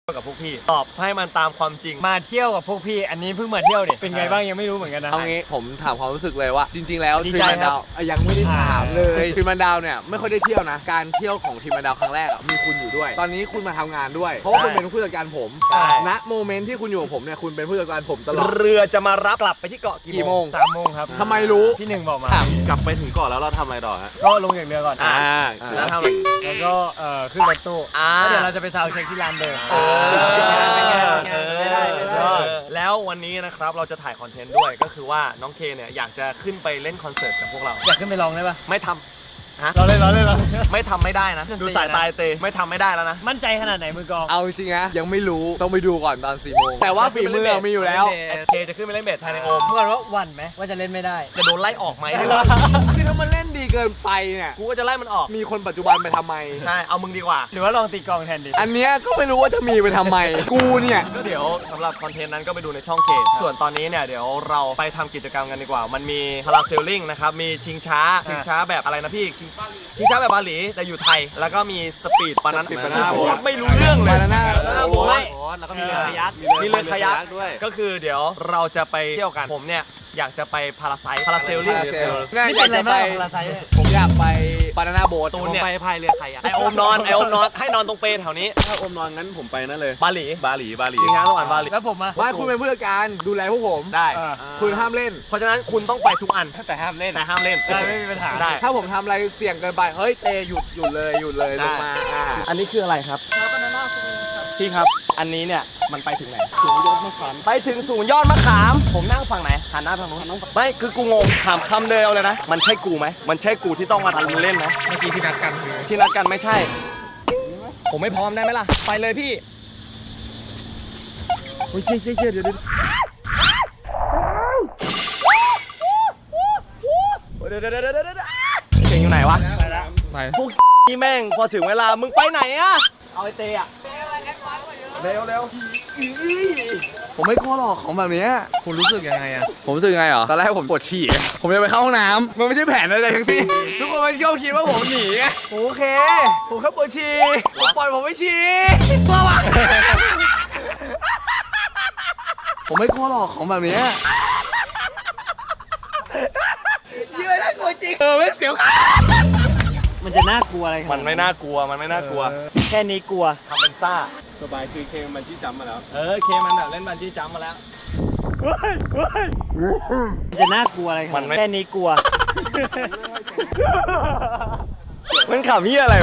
กับพวกพี่ตอบให้มันตามความจริงมาเที่ยวกับพวกพี่อันนี้เพิ่งมาเที่ยวเนี่ยเป็นไงบ้างยังไม่รู้เหมือนกันนะเอางี้ผมถามความรู้สึกเลยว่าจริงๆแล้วดีทีมใจมันครับดาวยังไม่ได้ถามเลยทีมมันดาวเนี่ยไม่ค่อยได้เที่ยวนะการเที่ยวของทีมมันดาวครั้งแรกมีคุณอยู่ด้วย ตอนนี้คุณมาทำงานด้วยเพราะว่าคุณเป็นผู้จัดการผมณโมเมนต์ที่คุณอยู่กับผมเนี่ยคุณเป็นผู้จัดการผมตลอดเรือจะมารับกลับไปที่เกาะกี่โมง 3 โมงครับทำไมรู้พี่หนึ่งบอกมากลับไปถึงเกาะแล้วเราทำอะไรต่อฮะก็ลงจากเรือก่อนแล้วทำอะไรแล้วก็ขึ้นรถตู้แล้วเดี๋ยวเราจะไปซาวด์เช็คที่ลานเดิมแล้ววันนี้นะครับเราจะถ่ายคอนเทนต์ด้วยก็คือว่าน้องเคเนี่ยอยากจะขึ้นไปเล่นคอนเสิร์ตกับพวกเราอยากขึ้นไปลองได้ปะไม่ทำฮะเราเล่นไม่ทำไม่ได้นะดูสายตาเตไม่ทำไม่ได้แล้วนะมั่นใจขนาดไหนมือกองเอาจริงๆนะยังไม่รู้ต้องไปดูก่อนตอน4 โมงแต่ว่าฝีมือมีอยู่แล้วเคจะขึ้นไปเล่นเบสไทยในโอมเมื่อก่อนว่าหวั่นไหมว่าจะเล่นไม่ได้จะโดนไล่ออกไหมคือถ้ามันเล่นดีเกินไปเนี่ยกูก็จะไล่มันออกมีคนปัจจุบันไปทำไมใช่เอามึงดีกว่าหรือว่าลองตีกองแทนดิอันเนี้ยก็ไม่รู้ว่าจะมีไปทำไม กูเนี่ยก็เดี๋ยวสำหรับคอนเทนต์นั้นก็ไปดูในช่องเคส่วนตอนนี้เนี่ยเดี๋ยวเราไปทำกิจกรรมกันดีกว่ามันมีพาราเซลลิงนะครับมีชิงช้าแบบอะไรนะพี่ชิงช้าแบบบาหลีแต่อยู่ไทยแล้วก็มีสปีดปานั้นพูดไม่รู้เรื่องเลย Banana โบ๊ทแล้วก็มีเรือคายักมีเรือคายักด้วยก็คือเดี๋ยวเราจะไปเที่ยวกันผมเนี่ยอยากจะไปพาราเซลลิงหรือเซลนี่เป็นอะไรบ้างของลาไซน์เนี่ยผมอยากไปบานาน่าโบ๊ทตูนเนี่ยไปพายเรือใครอะไอโอมนอนให้นอนตรงเปรแถวนี้ถ้าอมนอนงั้นผมไปนั่นเลยบาหลีบาหลีชิงช้าสวรรค์บาหลีแล้วผมอะว่าคุณเป็นผู้จัดการดูแลพวกผมได้คุณห้ามเล่นเพราะฉะนั้นคุณต้องไปทุกอันแต่ห้ามเล่นแต่ห้ามเล่นได้ไม่มีปัญหาได้ถ้าผมทำอะไรเสี่ยงเกินไป เฮ้ยเตหยุดเลยลงมาอันนี้คืออะไรครับพี่ครับ อันนี้เนี่ยมันไปถึงไหนถึงยอดมะขามไปถึงศูนย์ยอดมะขาม ผมนั่งฝั่งไหนหันหน้าทางนู้นไม่คือกูงงถามคำเดียวเลยนะมันใช่กูไหมมันใช่กูที่ต้องมาทำเล่นไหมเมื่อกี้ที่นัดกันที่นัดกันไม่ใช่ ผมไม่พร้อมได้ไหมล่ะไปเลยพี่โอ้ยเชี่ยเดี๋ยวเก่งอยู่ไหนวะพวกนี่แม่งพอถึงเวลามึงไปไหนอะเอาไอเตะเร็วผมไม่กลัวหรอกของแบบเนี้ยคุณรู้สึกยังไงอะผมรู้สึกไงเหรอ ตอนแรกผมปวดฉี่ ผมจะไปเข้าห้องน้ำมันไม่ใช่แผนอะไรทั้งสิ้นทุกคนมันก็คิดว่าผมหนีไงโอเค ผมแค่ปวดฉี่ปล่อยผมไม่ฉี่กลัววะผมไม่กลัวหรอกของแบบเนี้ยเชื่อได้กลัวจริงไม่เสียวขามันจะน่ากลัวอะไรขนาดมันไม่น่ากลัวแค่นี้กลัวทำเป็นซ่าสบายคือเคมันที่จำมาแล้วเคมันแบบเล่นบันจี้จัมป์มาแล้วมันจะน่ากลัวอะไรขนาดมันไม่แค่นี้กลัวมันขำเฮียอะไร